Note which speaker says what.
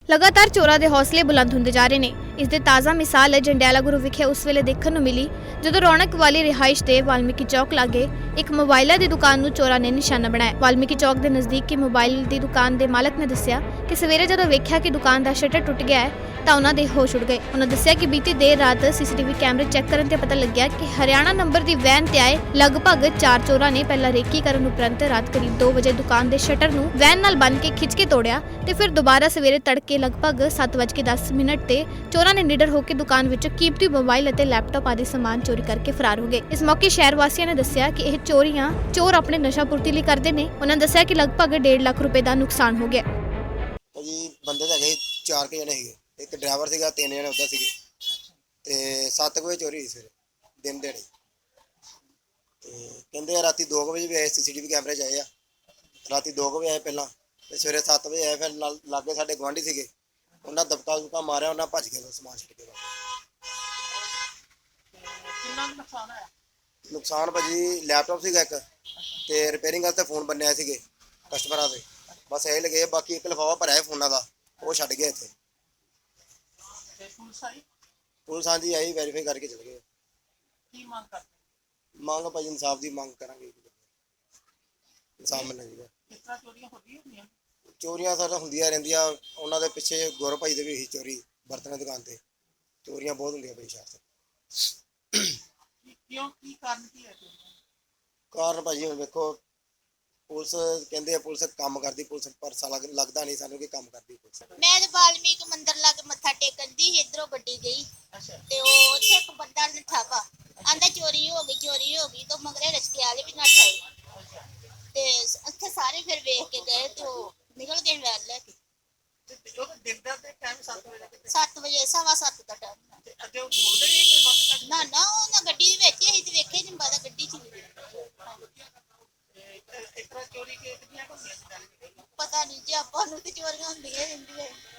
Speaker 1: ਲਗਾਤਾਰ ਚੋਰਾਂ ਦੇ ਹੌਸਲੇ ਬੁਲੰਦ ਹੁੰਦੇ ਜਾ ਰਹੇ ਨੇ। ਇਸ ਦੇ ਤਾਜ਼ਾ ਮਿਸਾਲ ਜੰਡਿਆਲਾ ਗੁਰੂ ਵਿਖੇ ਉਸ ਵੇਲੇ ਦੇਖਣ ਨੂੰ ਮਿਲੀ ਜਦੋਂ ਰੌਣਕ ਵਾਲੀ ਰਿਹਾਇਸ਼ ਦੇ ਵਾਲਮੀਕੀ ਚੌਕ ਲਾਗੇ ਇੱਕ ਮੋਬਾਈਲਾਂ ਦੀ ਦੁਕਾਨ ਨੂੰ ਚੋਰਾਂ ਨੇ ਨਿਸ਼ਾਨਾ ਬਣਾਇਆ। ਵਾਲਮੀਕੀ ਚੌਕ ਦੇ ਨਜ਼ਦੀਕ ਮੋਬਾਈਲ ਦੀ ਦੁਕਾਨ ਦੇ ਮਾਲਕ ਨੇ ਦੱਸਿਆ ਕਿ ਸਵੇਰੇ ਜਦੋਂ ਵੇਖਿਆ ਕਿ ਦੁਕਾਨ ਦਾ ਸ਼ਟਰ ਟੁੱਟ ਗਿਆ ਹੈ ਤਾਂ ਉਹਨਾਂ ਦੇ ਹੋਸ਼ ਉੱਡ ਗਏ। ਉਹਨਾਂ ਦੱਸਿਆ ਕਿ ਬੀਤੀ ਦੇਰ ਰਾਤ ਸੀਸੀਟੀਵੀ ਕੈਮਰੇ ਚੈੱਕ ਕਰਨ ਤੇ ਪਤਾ ਲੱਗਿਆ ਕਿ ਹਰਿਆਣਾ ਨੰਬਰ ਦੀ ਵੈਨ ਤੇ ਆਏ ਲਗਭਗ 4 ਚੋਰਾਂ ਨੇ ਪਹਿਲਾਂ ਰੇਕੀ ਕਰਨ ਉਪਰੰਤ ਰਾਤ ਕਰੀਬ 2 ਵਜੇ ਦੁਕਾਨ ਦੇ ਸ਼ਟਰ ਨੂੰ ਵੈਨ ਨਾਲ ਬੰਨ੍ਹ ਕੇ ਖਿੱਚ ਕੇ ਤੋੜਿਆ ਤੇ ਫਿਰ ਦੁਬਾਰਾ ਸਵੇਰੇ ਤੜਕੇ ਲਗਭਗ 7:10 ਤੇ ਚੋਰਾਂ ਨੇ ਨਿਡਰ ਹੋ ਕੇ ਦੁਕਾਨ ਵਿੱਚੋਂ ਕੀਮਤੀ ਮੋਬਾਈਲ ਅਤੇ ਲੈਪਟਾਪ ਆਦਿ ਸਮਾਨ ਚੋਰੀ ਕਰਕੇ ਫਰਾਰ ਹੋ ਗਏ। ਇਸ ਮੌਕੇ ਸ਼ਹਿਰ ਵਾਸੀਆਂ ਨੇ ਦੱਸਿਆ ਕਿ ਇਹ ਚੋਰ ਆਪਣੇ ਨਸ਼ਾ ਪੂਰਤੀ ਲਈ ਕਰਦੇ ਨੇ। ਉਹਨਾਂ ਦੱਸਿਆ ਕਿ ਲਗਭਗ 1.5 ਲੱਖ ਰੁਪਏ ਦਾ ਨੁਕਸਾਨ ਹੋ ਗਿਆ।
Speaker 2: ਜੀ ਬੰਦੇ ਤਾਂ ਹੈਗੇ 4 ਜਣੇ ਸੀਗੇ, ਇੱਕ ਡਰਾਈਵਰ ਸੀਗਾ, 3 ਜਣੇ ਉੱਦਾਂ ਸੀਗੇ ਤੇ 7 ਵਜੇ ਚੋਰੀ ਹੋਈ ਸਵੇਰੇ ਦਿਨ ਦਿਹਾੜੇ। ਤੇ ਕਹਿੰਦੇ ਆ ਰਾਤੀ 2 ਵਜੇ ਵੀ ਆਏ, ਸੀਸੀਟੀਵੀ ਕੈਮਰੇ 'ਚ ਆਏ ਆ। ਰਾਤੀ 2 ਵਜੇ ਆਏ ਪਹਿਲਾਂ ਤੇ ਸਵੇਰੇ 7 ਵਜੇ ਆਏ। ਫਿਰ ਲਾਗੇ ਸਾਡੇ ਗੁਆਂਢੀ ਸੀਗੇ, ਉਹਨਾਂ ਦਬਕਾ ਮਾਰਿਆ, ਉਹਨਾਂ ਭੱਜ ਗਏ ਸਮਾਨ ਛੱਡ ਕੇ।
Speaker 3: ਕਿੰਨਾ ਨੁਕਸਾਨ ਹੋਇਆ?
Speaker 2: ਨੁਕਸਾਨ ਭਾਜੀ ਲੈਪਟਾਪ ਸੀਗਾ ਇੱਕ ਤੇ ਰਿਪੇਅਰਿੰਗ ਵਾਸਤੇ ਫੋਨ ਬੰਨਿਆ ਸੀਗੇ ਕਸਟਮਰਾਂ ਦੇ, ਬਸ ਇਹ ਲਗੇ। ਬਾਕੀ ਇੱਕ ਲਿਫਾਫਾ ਭਰਿਆ ਫੋਨਾਂ ਦਾ, ਉਹ ਛੱਡ ਗਏ ਇੱਥੇ।
Speaker 3: ਤੇ ਪੁਲਿਸ ਆਈ?
Speaker 2: ਪੁਲਿਸ ਹਾਂਜੀ ਆਈ, ਵੈਰੀਫਾਈ ਕਰਕੇ ਚਲੇ ਗਏ।
Speaker 3: ਕੀ ਮੰਗ ਕਰਦੇ?
Speaker 2: ਮੰਗ ਭਾਜੀ ਇਨਸਾਫ ਦੀ ਮੰਗ ਕਰਾਂਗੇ, ਇਨਸਾਫ ਮਿਲਣਾ ਚਾਹੀਦਾ।
Speaker 3: ਕਿਸ ਤਰ੍ਹਾਂ ਚੋਰੀਆਂ ਹੁੰਦੀਆਂ?
Speaker 2: ਚੋਰੀਆਂ ਸਾਡਾ ਹੁੰਦੀਆਂ ਰਹਿੰਦੀਆਂ। ਉਹਨਾਂ ਦੇ ਪਿੱਛੇ ਗੌਰਵ ਭਾਈ ਦੇ ਵੀ ਇਹੀ ਚੋਰੀ, ਬਰਤਨਾਂ ਦੀ ਦੁਕਾਨ ਤੇ ਚੋਰੀਆਂ ਬਹੁਤ ਹੁੰਦੀਆਂ ਭਾਈ ਸ਼ਹਿਰ 'ਚ।
Speaker 3: ਕਿਉਂ, ਕੀ ਕਾਰਨ ਕੀ ਹੈ ਚੋਰੀਆਂ?
Speaker 2: ਕਾਰਨ ਭਾਜੀ ਹੁਣ ਵੇਖੋ, ਪੁਲਿਸ ਕਹਿੰਦੇ ਆ ਪੁਲਿਸ ਕੰਮ ਕਰਦੀ, ਪੁਲਿਸ ਪਰ ਸਾਲਾ ਲੱਗਦਾ ਨਹੀਂ ਸਾਨੂੰ ਕਿ ਕੰਮ ਕਰਦੀ ਪੁਲਿਸ।
Speaker 4: ਮੈਂ ਤੇ ਵਾਲਮੀਕ ਮੰਦਿਰ ਲਾਗੇ ਮੱਥਾ ਟੇਕਣ ਦੀ ਇਧਰੋਂ ਗੱਡੀ ਗਈ ਤੇ ਉਹ ਉੱਥੇ ਇੱਕ ਬੰਦਾ ਨੱਠਾ ਵਾ, ਆਂਦਾ ਚੋਰੀ ਹੋ ਗਈ ਤਾਂ ਮਗਰੇ ਰਸਤੇ ਵਾਲੇ ਵੀ ਨੱਠ ਆਏ ਤੇ ਉੱਥੇ ਸਾਰੇ ਫਿਰ ਵੇਖ ਕੇ ਗਏ ਤੇ ਉਹ ਨਿਕਲ ਗਏ ਵੈਨ ਲੈ ਕੇ।
Speaker 3: ਉਹ ਤਾਂ ਦਿਨ ਦਾ ਟਾਈਮ 7 ਵਜੇ ਦਾ।
Speaker 4: 7 ਵਜੇ 7:15 ਦਾ ਟਾਈਮ।
Speaker 3: ਤੇ ਅੱਗੇ ਉਹ ਬੋਲਦੇ ਨਹੀਂ ਕਿ ਵਕਤ
Speaker 4: ਨਾ ਉਹ ਨਾ ਗੱਡੀ ਦੇ ਵਿੱਚ ਹੀ ਤੇ ਵੇਖੇ ਨਹੀਂ ਬਾਦਾ ਗੱਡੀ ਚ
Speaker 3: ਇਸ ਤਰ੍ਹਾਂ ਚੋਰੀ ਕਿੰਨੀਆਂ ਹੁੰਦੀਆਂ?
Speaker 4: ਪਤਾ ਨਹੀਂ ਜੀ, ਆਪਾਂ ਨੂੰ ਤੇ ਚੋਰੀਆਂ ਹੁੰਦੀਆਂ ਰਹਿੰਦੀਆਂ।